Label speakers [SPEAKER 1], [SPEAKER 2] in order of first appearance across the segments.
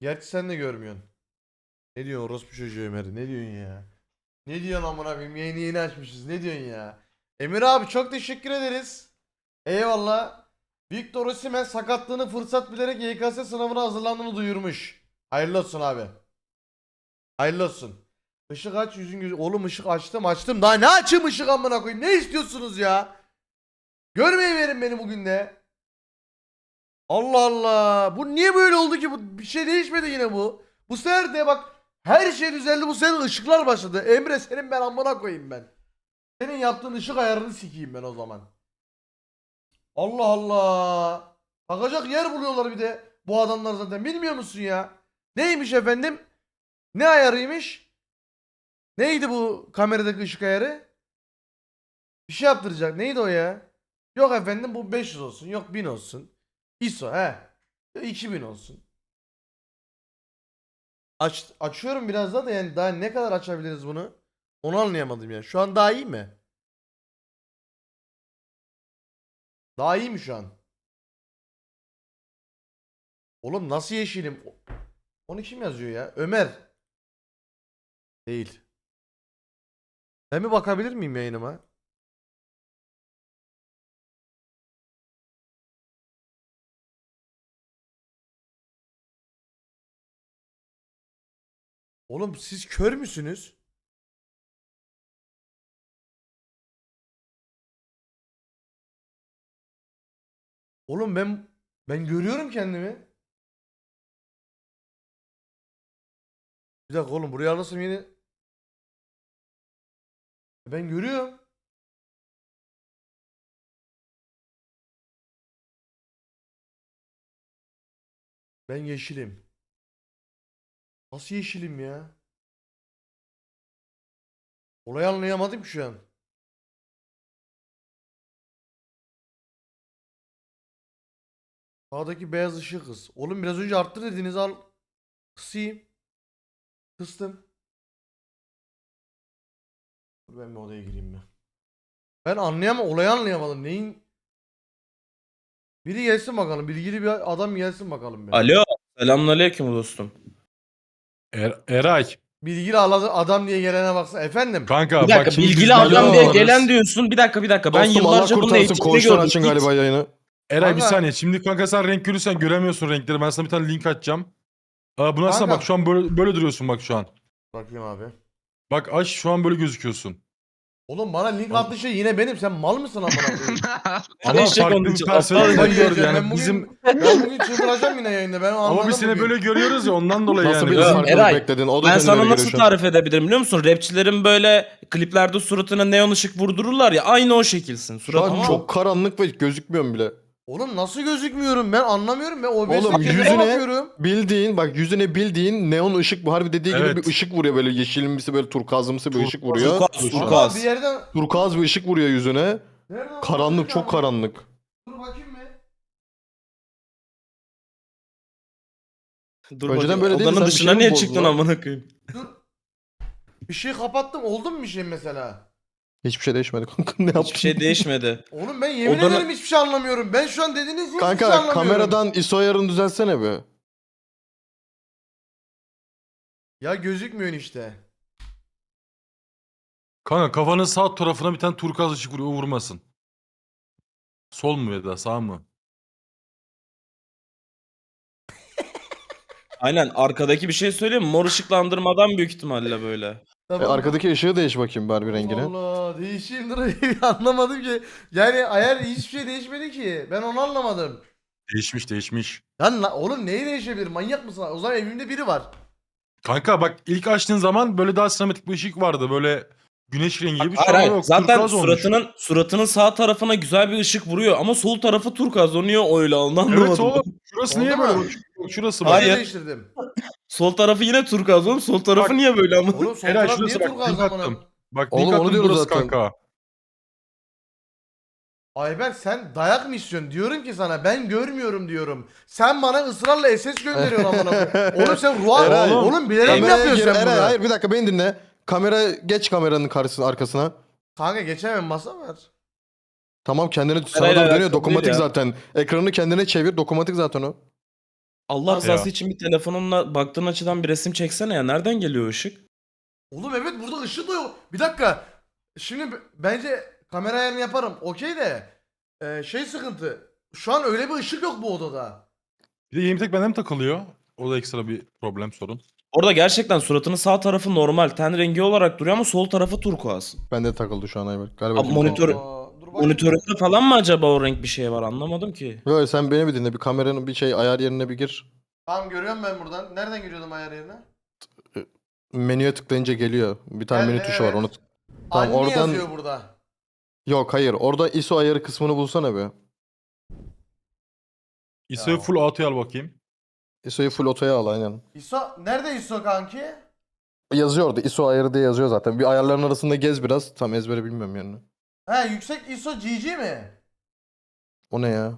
[SPEAKER 1] Gerçi sen de görmüyorsun. Ne diyorsun orospu çocuğu Ömer? Ne diyorsun ya? Ne diyorsun amına koyayım? Yayını yeni açmışız. Ne diyorsun ya? Emir abi çok teşekkür ederiz. Eyvallah. Victor Osimhen sakatlığını fırsat bilerek YKS sınavına hazırlandığını duyurmuş. Hayırlı olsun abi. Hayırlı olsun. Işık aç yüzün gözü. Oğlum ışık açtım. Daha ne açayım ışık amına koyayım? Ne istiyorsunuz ya? Görmeyi verin beni bugün de. Allah Allah. Bu niye böyle oldu ki? Bir şey değişmedi yine bu. Bu sefer de bak her şey düzeldi. Bu sefer ışıklar başladı. Emre senin ben amına koyayım ben. Senin yaptığın ışık ayarını sikeyim ben o zaman. Allah Allah. Bakacak yer buluyorlar bir de. Bu adamlar zaten bilmiyor musun ya? Neymiş efendim? Ne ayarıymış? Neydi bu kameradaki ışık ayarı? Bir şey yaptıracak. Neydi o ya? Yok efendim bu 500 olsun. Yok 1000 olsun. ISO he. 2000 olsun. Açıyorum biraz daha da yani daha ne kadar açabiliriz bunu? Onu anlayamadım yani. Şu an daha iyi mi? Daha iyi mi şu an? Oğlum nasıl yeşilim? Onu kim yazıyor ya? Ömer. Değil. Ben mi bakabilir miyim yayınıma? Oğlum siz kör müsünüz? Oğlum ben görüyorum kendimi. Bir dakika oğlum buraya alırsam yine ben görüyorum. Ben yeşilim. Nasıl yeşilim ya? Olayı anlayamadım ki şu an. Sağdaki beyaz ışığı kız. Oğlum biraz önce arttır dediniz al. Kısayım. Kıstım. Dur ben bir odaya gireyim ben. Ben olayı anlayamadım. Neyin? Biri gelsin bakalım. Bilgili bir adam gelsin bakalım bir.
[SPEAKER 2] Alo, selamünaleyküm dostum.
[SPEAKER 3] Eray.
[SPEAKER 1] Bilgili adam diye gelene baksana. Efendim?
[SPEAKER 3] Kanka
[SPEAKER 2] Bir dakika,
[SPEAKER 3] bak şimdi biz
[SPEAKER 2] bilgili
[SPEAKER 3] böyle
[SPEAKER 2] adam diye
[SPEAKER 3] alırız.
[SPEAKER 2] gelen diyorsun. Bir dakika. Ben
[SPEAKER 4] Dostum Allah
[SPEAKER 2] yıllarca bunun
[SPEAKER 4] kurtarsın.
[SPEAKER 2] eğitimini
[SPEAKER 4] Koğuştan
[SPEAKER 2] gördüm.
[SPEAKER 4] açın galiba yayını.
[SPEAKER 3] Eray bir
[SPEAKER 1] Kanka-
[SPEAKER 3] saniye. Şimdi kanka sen renk görürsen göremiyorsun renkleri. Ben sana bir tane link açacağım. Buna açsana
[SPEAKER 1] Kanka.
[SPEAKER 3] bak şu an böyle duruyorsun bak şu an.
[SPEAKER 1] Bakayım abi.
[SPEAKER 3] Bak aç şu an böyle gözüküyorsun.
[SPEAKER 1] Oğlum bana link attığı şey yine benim. Sen mal mısın amına koyayım?
[SPEAKER 3] Ama
[SPEAKER 2] Eşek
[SPEAKER 3] farklı
[SPEAKER 2] onun
[SPEAKER 3] bir
[SPEAKER 2] için,
[SPEAKER 3] perspektiften
[SPEAKER 1] Kafayı
[SPEAKER 3] gördü
[SPEAKER 1] yiyeceğim.
[SPEAKER 3] yani
[SPEAKER 1] Ben bugün çıldıracağım yine yayında. Ben anladım
[SPEAKER 3] ama biz seni
[SPEAKER 1] bugün.
[SPEAKER 3] böyle görüyoruz ya ondan dolayı
[SPEAKER 4] Nasıl
[SPEAKER 3] yani.
[SPEAKER 4] bir
[SPEAKER 2] Ya,
[SPEAKER 4] farklılık
[SPEAKER 2] Eray,
[SPEAKER 4] bekledin? O da
[SPEAKER 2] Ben
[SPEAKER 4] kendine
[SPEAKER 2] sana
[SPEAKER 4] göre
[SPEAKER 2] nasıl
[SPEAKER 4] şu an.
[SPEAKER 2] tarif edebilirim biliyor musun? Rapçilerin böyle kliplerde suratına neon ışık vurdururlar ya, aynı o şekilsin.
[SPEAKER 4] Şu
[SPEAKER 2] Suratın
[SPEAKER 4] an çok karanlık ve gözükmüyorum bile.
[SPEAKER 1] Oğlum nasıl gözükmüyorum? Ben anlamıyorum. Ben OBS'e
[SPEAKER 4] Oğlum
[SPEAKER 1] kendime
[SPEAKER 4] yüzüne
[SPEAKER 1] bakıyorum.
[SPEAKER 4] yüzüne bildiğin neon ışık bu. Harbi dediği gibi
[SPEAKER 3] Evet.
[SPEAKER 4] bir ışık vuruyor böyle yeşilimsi böyle turkuazımsı bir ışık vuruyor.
[SPEAKER 2] turkuaz,
[SPEAKER 1] Ama
[SPEAKER 2] turkuaz.
[SPEAKER 1] bir yerden...
[SPEAKER 4] Turkuaz bir ışık vuruyor yüzüne.
[SPEAKER 1] Nereden
[SPEAKER 4] Karanlık, çok
[SPEAKER 1] bakacağım?
[SPEAKER 4] karanlık.
[SPEAKER 1] Dur bakayım mı?
[SPEAKER 2] Dur
[SPEAKER 4] Önceden
[SPEAKER 2] bakayım,
[SPEAKER 4] böyle değildi,
[SPEAKER 2] odanın
[SPEAKER 4] sen bir
[SPEAKER 2] dışına
[SPEAKER 4] şey mi
[SPEAKER 2] niye
[SPEAKER 4] bozdun
[SPEAKER 2] çıktın
[SPEAKER 4] lan?
[SPEAKER 2] amına koyayım?
[SPEAKER 1] Dur. Bir şey kapattım. Oldu mu bir şey mesela?
[SPEAKER 4] Hiçbir şey değişmedi kanka. Ne yaptın?
[SPEAKER 2] Hiçbir şey değişmedi.
[SPEAKER 1] Oğlum ben yemin
[SPEAKER 2] Odanın-
[SPEAKER 1] ederim hiçbir şey anlamıyorum. Ben şu an dediğiniz hiçbir şey
[SPEAKER 4] Kanka
[SPEAKER 1] anlamıyorum.
[SPEAKER 4] kameradan ISO ayarını düzelsene bir.
[SPEAKER 1] Ya gözükmüyor işte.
[SPEAKER 3] Kanka kafanın sağ tarafına bir tane turkuaz ışık vuruyor, o vurmasın. Sol mu ya da sağ mı?
[SPEAKER 2] Aynen, arkadaki bir şey söyleyeyim mi? Mor ışıklandırmadan büyük ihtimalle böyle.
[SPEAKER 1] Tamam.
[SPEAKER 4] Arkadaki ışığı değiş bakayım bari bir
[SPEAKER 1] Allah
[SPEAKER 4] rengine.
[SPEAKER 1] Allah değişeyim dur anlamadım ki. Yani ayar hiçbir şey değişmedi ki. Ben onu anlamadım.
[SPEAKER 3] Değişmiş.
[SPEAKER 1] Lan oğlum neyi değişebilir? Manyak mısın? O zaman evimde biri var.
[SPEAKER 3] Kanka bak ilk açtığın zaman böyle daha sinematik bir ışık vardı. Böyle güneş rengi gibi. Şu
[SPEAKER 2] Hayır
[SPEAKER 3] an
[SPEAKER 2] hayır.
[SPEAKER 3] yok.
[SPEAKER 2] Zaten
[SPEAKER 3] Turkuaz olmuş.
[SPEAKER 2] suratının sağ tarafına güzel bir ışık vuruyor ama sol tarafı turkuaz. O niye öyle, onu anlamadım.
[SPEAKER 3] Evet oğlum. Şurası
[SPEAKER 1] Oldu
[SPEAKER 3] niye
[SPEAKER 1] mu?
[SPEAKER 3] böyle? Bak, şurası bak.
[SPEAKER 2] Hayır.
[SPEAKER 1] Hayır. Değiştirdim.
[SPEAKER 2] Sol tarafı yine turkuaz oğlum. Sol tarafı
[SPEAKER 3] Bak.
[SPEAKER 2] niye böyle ama?
[SPEAKER 1] Oğlum sol
[SPEAKER 3] Eray
[SPEAKER 1] taraf niye
[SPEAKER 3] şurası bak.
[SPEAKER 1] turkuaz
[SPEAKER 3] Link
[SPEAKER 1] amına?
[SPEAKER 3] attım. Bak
[SPEAKER 4] Oğlum,
[SPEAKER 3] link
[SPEAKER 4] onu
[SPEAKER 3] attım
[SPEAKER 4] diyoruz
[SPEAKER 3] burası
[SPEAKER 4] zaten.
[SPEAKER 3] kanka.
[SPEAKER 1] Ayber sen dayak mı istiyorsun? Diyorum ki sana ben görmüyorum diyorum. Sen bana ısrarla SS gönderiyorsun amına koyayım. Oğlum sen ruh
[SPEAKER 4] Eray,
[SPEAKER 1] oğlum bilerek mi
[SPEAKER 4] Kameraya
[SPEAKER 1] yapıyorsun
[SPEAKER 4] gir
[SPEAKER 1] sen
[SPEAKER 4] Eray,
[SPEAKER 1] bunu?
[SPEAKER 4] hayır bir dakika beni dinle. Geç kameranın karşısına arkasına.
[SPEAKER 1] Kanka geçemem masa var.
[SPEAKER 4] Tamam kendine sana
[SPEAKER 2] Eray'la
[SPEAKER 4] doğru dönüyor
[SPEAKER 2] alakalı
[SPEAKER 4] dokunmatik
[SPEAKER 2] değil ya.
[SPEAKER 4] zaten. Ekranını kendine çevir dokunmatik zaten o.
[SPEAKER 2] Allah rızası
[SPEAKER 3] Ya.
[SPEAKER 2] için bir telefonunla baktığın açıdan bir resim çeksene ya. Nereden geliyor ışık?
[SPEAKER 1] Oğlum evet burada ışık da yok. Bir dakika. Şimdi bence kamera ayarını yaparım. Okey de. Şey sıkıntı. Şu an öyle bir ışık yok bu odada.
[SPEAKER 3] Bir de yeni tek bende mi takılıyor? O da ekstra bir problem sorun.
[SPEAKER 2] Orada gerçekten suratının sağ tarafı normal. Ten rengi olarak duruyor ama sol tarafı turkuaz.
[SPEAKER 4] Bende takıldı şu an Ayberk. Galiba.
[SPEAKER 2] Abi monitörü-
[SPEAKER 1] Dur bakayım.
[SPEAKER 2] Monitöründe falan mı acaba o renk bir şey var anlamadım ki.
[SPEAKER 4] Yo, sen beni bir dinle. Bir kameranın bir şey ayar yerine bir gir.
[SPEAKER 1] Tamam görüyorum ben buradan. Nereden giriyordum ayar yerine?
[SPEAKER 4] Menüye tıklayınca geliyor. Bir tane
[SPEAKER 1] Geldi,
[SPEAKER 4] menü tuşu var.
[SPEAKER 1] evet.
[SPEAKER 4] Onu Tamam,
[SPEAKER 1] Anne
[SPEAKER 4] oradan-
[SPEAKER 1] yazıyor burada.
[SPEAKER 4] Yok, hayır. Orada ISO ayarı kısmını bulsana be.
[SPEAKER 3] ISO'yu full auto'ya al bakayım.
[SPEAKER 4] ISO'yu full otoya al aynen.
[SPEAKER 1] ISO nerede ISO kanki?
[SPEAKER 4] Yazıyor orada. ISO ayarı diye yazıyor zaten. Bir ayarların arasında gez biraz. Tam ezbere bilmiyorum yani.
[SPEAKER 1] He yüksek ISO GG mi?
[SPEAKER 4] O ne ya?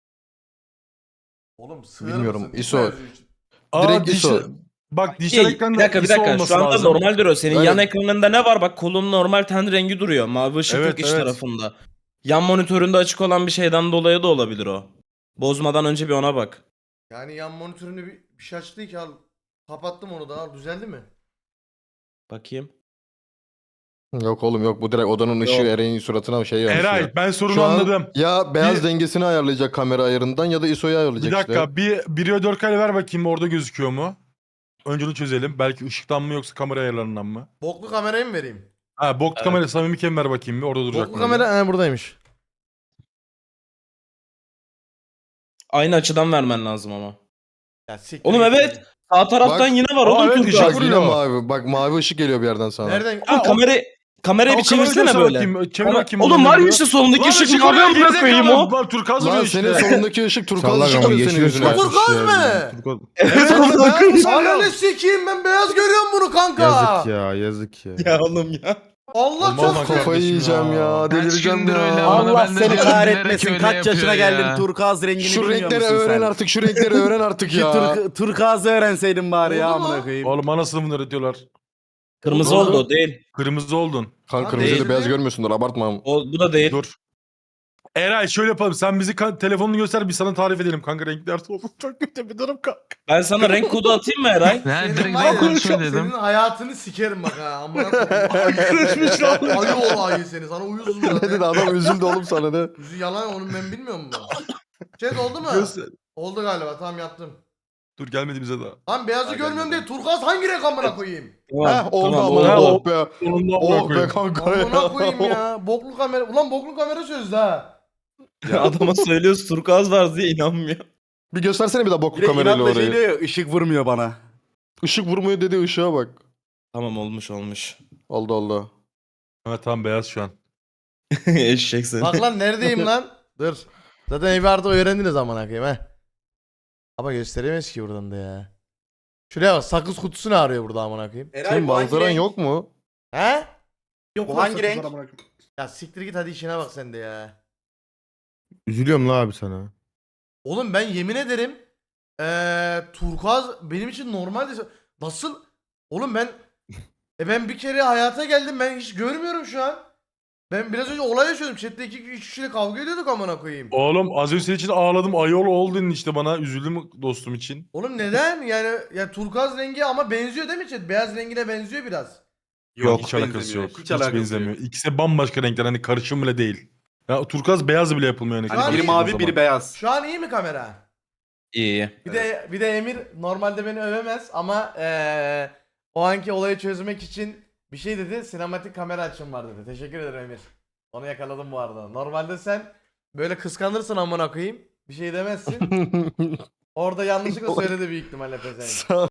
[SPEAKER 1] Oğlum sığır
[SPEAKER 4] Bilmiyorum,
[SPEAKER 1] mısın?
[SPEAKER 4] ISO.
[SPEAKER 1] yazıyor için.
[SPEAKER 4] Direkt ISO.
[SPEAKER 3] Bak dijital
[SPEAKER 2] Bir
[SPEAKER 3] ekranda
[SPEAKER 2] dakika bir
[SPEAKER 3] ISO
[SPEAKER 2] dakika.
[SPEAKER 3] olması
[SPEAKER 2] Şu anda
[SPEAKER 3] lazım.
[SPEAKER 2] normal duruyor. Senin
[SPEAKER 4] Evet.
[SPEAKER 2] yan ekranında ne var? Bak kolun normal ten rengi duruyor. Mavi ışık
[SPEAKER 3] Evet,
[SPEAKER 2] yok iç
[SPEAKER 3] evet.
[SPEAKER 2] tarafında. Yan monitöründe açık olan bir şeyden dolayı da olabilir o. Bozmadan önce bir ona bak.
[SPEAKER 1] Yani yan monitörünü bir şey açtı ki al. Kapattım onu da al. Düzeldi mi?
[SPEAKER 2] Bakayım.
[SPEAKER 4] Yok oğlum yok. Bu direkt odanın ışığı
[SPEAKER 2] Yok.
[SPEAKER 4] Eren'in suratına şey yansıyor.
[SPEAKER 3] Eray ben sorunu
[SPEAKER 4] Şu an
[SPEAKER 3] anladım.
[SPEAKER 4] ya beyaz
[SPEAKER 3] Bir-
[SPEAKER 4] dengesini ayarlayacak kamera ayarından ya da ISO'yu ayarlayacak
[SPEAKER 3] Bir dakika
[SPEAKER 4] işte.
[SPEAKER 3] bir 1'e 4K ver bakayım orada gözüküyor mu? Önce onu çözelim. Belki ışıktan mı yoksa kamera ayarlarından mı?
[SPEAKER 1] Boklu kamerayı mı vereyim?
[SPEAKER 3] Ha bok
[SPEAKER 2] Evet.
[SPEAKER 3] kamera samimi ver bakayım bir orada duracak
[SPEAKER 1] Boklu
[SPEAKER 3] mı?
[SPEAKER 1] kamera buradaymış.
[SPEAKER 2] Aynı açıdan vermen lazım ama.
[SPEAKER 1] Ya siktir
[SPEAKER 2] Oğlum
[SPEAKER 1] git.
[SPEAKER 2] evet. Sağ taraftan
[SPEAKER 4] Bak.
[SPEAKER 2] yine var
[SPEAKER 3] Aa,
[SPEAKER 2] oğlum
[SPEAKER 3] evet,
[SPEAKER 2] turkuaz.
[SPEAKER 3] ışık
[SPEAKER 4] Bak
[SPEAKER 3] vuruyor.
[SPEAKER 4] yine mavi. Bak mavi ışık geliyor bir yerden sana.
[SPEAKER 1] Nereden?
[SPEAKER 2] Oğlum
[SPEAKER 1] Aa,
[SPEAKER 2] kamerayı
[SPEAKER 3] O
[SPEAKER 2] bir
[SPEAKER 3] kamerayı
[SPEAKER 2] çevirsene
[SPEAKER 3] göster
[SPEAKER 2] böyle.
[SPEAKER 3] bakayım, çevir bakayım
[SPEAKER 2] Oğlum
[SPEAKER 3] onu,
[SPEAKER 2] var
[SPEAKER 3] ne
[SPEAKER 2] ya
[SPEAKER 3] diyor?
[SPEAKER 2] işte solundaki
[SPEAKER 3] Lan
[SPEAKER 2] ışık
[SPEAKER 3] ışık
[SPEAKER 2] mavi
[SPEAKER 3] vuruyor,
[SPEAKER 2] amına koyayım
[SPEAKER 3] gerizekalı.
[SPEAKER 2] o.
[SPEAKER 3] Lan turkuaz
[SPEAKER 4] Lan
[SPEAKER 3] vuruyor
[SPEAKER 4] senin
[SPEAKER 3] işte.
[SPEAKER 4] solundaki ışık turkuaz
[SPEAKER 5] Sallak
[SPEAKER 4] ışık
[SPEAKER 5] ama
[SPEAKER 4] vuruyor senin
[SPEAKER 5] geçiyor
[SPEAKER 4] yüzüne.
[SPEAKER 5] şu an.
[SPEAKER 1] Turkuaz
[SPEAKER 5] Ya,
[SPEAKER 1] mı?
[SPEAKER 5] Turkuaz.
[SPEAKER 2] Evet
[SPEAKER 1] Lan
[SPEAKER 2] amına koyayım.
[SPEAKER 1] Ananı sikeyim ben beyaz görüyorum bunu kanka.
[SPEAKER 5] Yazık ya yazık ya.
[SPEAKER 2] Ya oğlum ya.
[SPEAKER 1] Allah
[SPEAKER 3] Olmaz
[SPEAKER 1] çok
[SPEAKER 3] lan
[SPEAKER 4] Kafayı
[SPEAKER 3] kardeşim
[SPEAKER 4] yiyeceğim ya.
[SPEAKER 6] Kaç
[SPEAKER 4] Delireceğim
[SPEAKER 6] gündür öyle
[SPEAKER 4] ya.
[SPEAKER 6] ama
[SPEAKER 7] Allah
[SPEAKER 6] ben de
[SPEAKER 7] seni
[SPEAKER 6] diyorum,
[SPEAKER 7] kahretmesin.
[SPEAKER 6] bilerek
[SPEAKER 7] Kaç
[SPEAKER 6] öyle
[SPEAKER 7] yaşına
[SPEAKER 6] yapıyor
[SPEAKER 7] geldin?
[SPEAKER 6] ya.
[SPEAKER 7] Turkuaz rengini
[SPEAKER 4] Şu
[SPEAKER 7] bilmiyor
[SPEAKER 4] renkleri
[SPEAKER 7] musun
[SPEAKER 4] öğren
[SPEAKER 7] sen?
[SPEAKER 4] artık. Şu renkleri öğren artık
[SPEAKER 7] Şu
[SPEAKER 4] ya.
[SPEAKER 7] turkuazı öğrenseydin bari ya
[SPEAKER 1] Oldu mu?
[SPEAKER 7] amına koyayım.
[SPEAKER 3] Oğlum anasını mı öğretiyorlar?
[SPEAKER 2] Kırmızı
[SPEAKER 1] Oldu.
[SPEAKER 2] oldu o değil.
[SPEAKER 3] Kırmızı oldun.
[SPEAKER 4] Kanka
[SPEAKER 1] Lan
[SPEAKER 4] kırmızıyla
[SPEAKER 1] değil
[SPEAKER 4] beyaz
[SPEAKER 1] mi?
[SPEAKER 4] görmüyorsundur abartma.
[SPEAKER 2] Bu da değil.
[SPEAKER 3] Dur. Eray şöyle yapalım. Sen bizi telefonunu göster biz sana tarif edelim kanka renkler olsun. Çok kötü bir durum kanka.
[SPEAKER 2] Ben sana renk kodu atayım mı Eray?
[SPEAKER 6] Ben
[SPEAKER 1] Senin
[SPEAKER 6] direkt
[SPEAKER 1] var ya,
[SPEAKER 6] ben söyledim.
[SPEAKER 1] senin hayatını sikerim bak ha. Amına koyayım.
[SPEAKER 3] Kırışmış lan.
[SPEAKER 1] Ayı ol ayı seni. Sana uyuzum
[SPEAKER 4] Ne dedi
[SPEAKER 1] zaten.
[SPEAKER 4] adam üzüldü oğlum sana ne?
[SPEAKER 1] Yüzü yalan onu ben bilmiyorum mu? Chat oldu mu?
[SPEAKER 3] Göster.
[SPEAKER 1] Oldu galiba tamam yaptım.
[SPEAKER 3] Dur gelmedi bize daha.
[SPEAKER 1] Lan beyazı görmüyorum değil. Turkuaz hangi renk amına koyayım?
[SPEAKER 4] Heh oldu
[SPEAKER 2] tamam,
[SPEAKER 4] ama
[SPEAKER 3] oldu.
[SPEAKER 4] oh be.
[SPEAKER 3] Sonunda
[SPEAKER 4] Oh be kanka
[SPEAKER 1] Amına
[SPEAKER 4] ya.
[SPEAKER 1] koyayım ya. Boklu kamera. Ulan boklu kamera sözde ha.
[SPEAKER 2] Ya adama söylüyoruz turkuaz var diye inanmıyor.
[SPEAKER 4] Bir göstersene bir daha
[SPEAKER 7] Bir
[SPEAKER 4] boklu
[SPEAKER 7] de
[SPEAKER 4] kamerayla
[SPEAKER 7] inatla şey
[SPEAKER 4] orayı.
[SPEAKER 7] diyor ya, ışık vurmuyor bana.
[SPEAKER 4] Işık vurmuyor dedi ışığa bak.
[SPEAKER 2] Tamam olmuş.
[SPEAKER 4] Oldu oldu.
[SPEAKER 3] Evet tamam beyaz şu an.
[SPEAKER 2] Eşek seni.
[SPEAKER 1] Bak lan neredeyim lan? Dur. Zaten evi artık öğrendiniz amına koyayım ha. Ama gösteremeyiz ki buradan da ya. Şuraya bak sakız kutusunu arıyor burada amına koyayım.
[SPEAKER 4] Senin manzaran yok mu?
[SPEAKER 1] He?
[SPEAKER 7] Bu hangi renk?
[SPEAKER 1] Ya siktir git hadi işine bak sen de ya.
[SPEAKER 5] Üzülüyorum la abi sana.
[SPEAKER 1] Oğlum ben yemin ederim turkuaz benim için normaldi. Nasıl? Oğlum ben bir kere hayata geldim ben hiç görmüyorum şu an. Ben biraz önce olay yaşıyordum. Chat'te 2-3 kişiyle kavga ediyorduk amına koyayım.
[SPEAKER 3] Oğlum az önce senin için ağladım. Ayol oldun işte bana. Üzüldüm dostum için.
[SPEAKER 1] Oğlum neden? Yani turkuaz rengi ama benziyor değil mi chat? Beyaz rengine benziyor biraz.
[SPEAKER 3] Yok hiç alakası yok. Hiç,
[SPEAKER 7] alakası
[SPEAKER 3] benzemiyor.
[SPEAKER 7] yok.
[SPEAKER 3] İkisi de bambaşka renkler. Hani karışım bile değil. Ya turkuaz beyaz bile yapılmıyor yani.
[SPEAKER 1] Şu an
[SPEAKER 7] Hani biri
[SPEAKER 1] iyi.
[SPEAKER 7] mavi biri beyaz.
[SPEAKER 1] Şu an iyi mi kamera?
[SPEAKER 2] İyi.
[SPEAKER 1] Bir de Emir normalde beni övemez ama o anki olayı çözmek için bir şey dedi. Sinematik kamera açım var dedi. Teşekkür ederim Emir. Onu yakaladım bu arada. Normalde sen böyle kıskanırsın amına koyayım. Bir şey demezsin. Orada yanlışlıkla söyledi büyük ihtimalle pezevenk.
[SPEAKER 4] Sağ